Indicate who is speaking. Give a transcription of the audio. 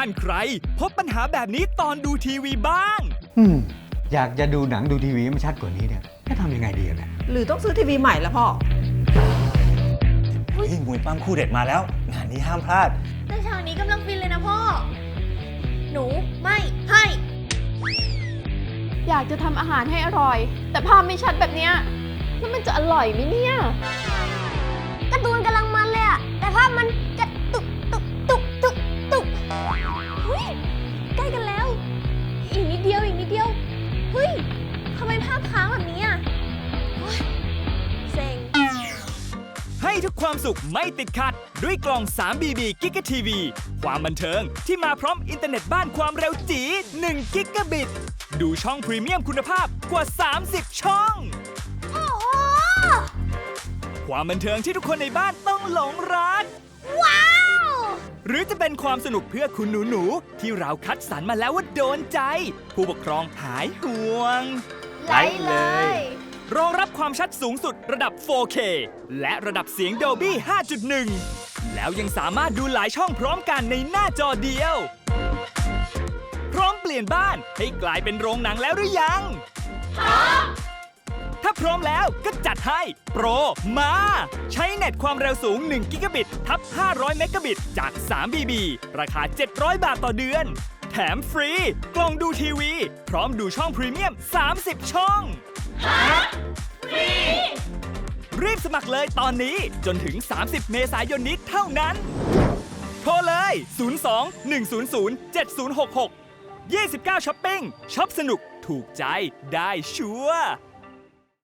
Speaker 1: านใครพบปัญหาแบบนี้ตอนดูทีวีบ้าง
Speaker 2: อยากจะดูหนังดูทีวีให้มันชัดกว่านี้เนี่ยจะทำยังไงดีเนี่ย
Speaker 3: หรือต้องซื้อทีวีใหม่แล้วพ่อ
Speaker 4: เฮ้ยมวยปั้มคู่เด็ดมาแล้ว งานนี้ห้ามพลาด
Speaker 5: แต่ฉากนี้กำลังฟินเลยนะพ่อ หนูไม่ให้
Speaker 6: อยากจะทำอาหารให้อร่อย แต่ภาพไม่ชัดแบบเนี้ยแล้วมันจะอร่อยไหมเนี่ย
Speaker 5: การ์ตูนกำลังมันเลยอะแต่ภาพมันกระตุกตุกตุกตุกตุกเฮ้ยใกล้กันแล้ว อีกนิดเดียวอีกนิดเดียวเฮ้ยทำไมภาพค้างแบบนี้อะโอ๊ยเซ็ง
Speaker 1: ให้ทุกความสุขไม่ติดขัด ด้วยกล่อง 3BB Giga TV ความบันเทิงที่มาพร้อมอินเทอร์เน็ตบ้านความเร็วจี1 กิกะบิต ดูช่องพรีเมียมคุณภาพกว่า 30 ช่อง
Speaker 5: โอ้โห
Speaker 1: ความบันเทิงที่ทุกคนในบ้านต้องหลงรัก
Speaker 5: ว้าว
Speaker 1: หรือจะเป็นความสนุกเพื่อคุณหนูๆที่เราคัดสรรมาแล้วว่าโดนใจ ผู้ปกครองหายห่วง
Speaker 5: ไลค์เลย
Speaker 1: รองรับความชัดสูงสุดระดับ 4K และระดับเสียง Dolby 5.1 แล้วยังสามารถดูหลายช่องพร้อมกันในหน้าจอเดียว พร้อมเปลี่ยนบ้านให้กลายเป็นโรงหนังแล้วหรือยัง ถ้าพร้อมแล้วก็จัดให้โปรมา ใช้เน็ตความเร็วสูง1กิกะบิตทับ500เมกะบิตจาก 3BB ราคา 700 บาทต่อเดือน แถมฟรี กล่องดูทีวี พร้อมดูช่องพรีเมียม 30 ช่อง รีบสมัครเลยตอนนี้จนถึง 30 เมษายนนี้เท่านั้น โทรเลย 02 100 7066 29ช้อปปิ้งช็อปสนุกถูกใจได้ชัวร์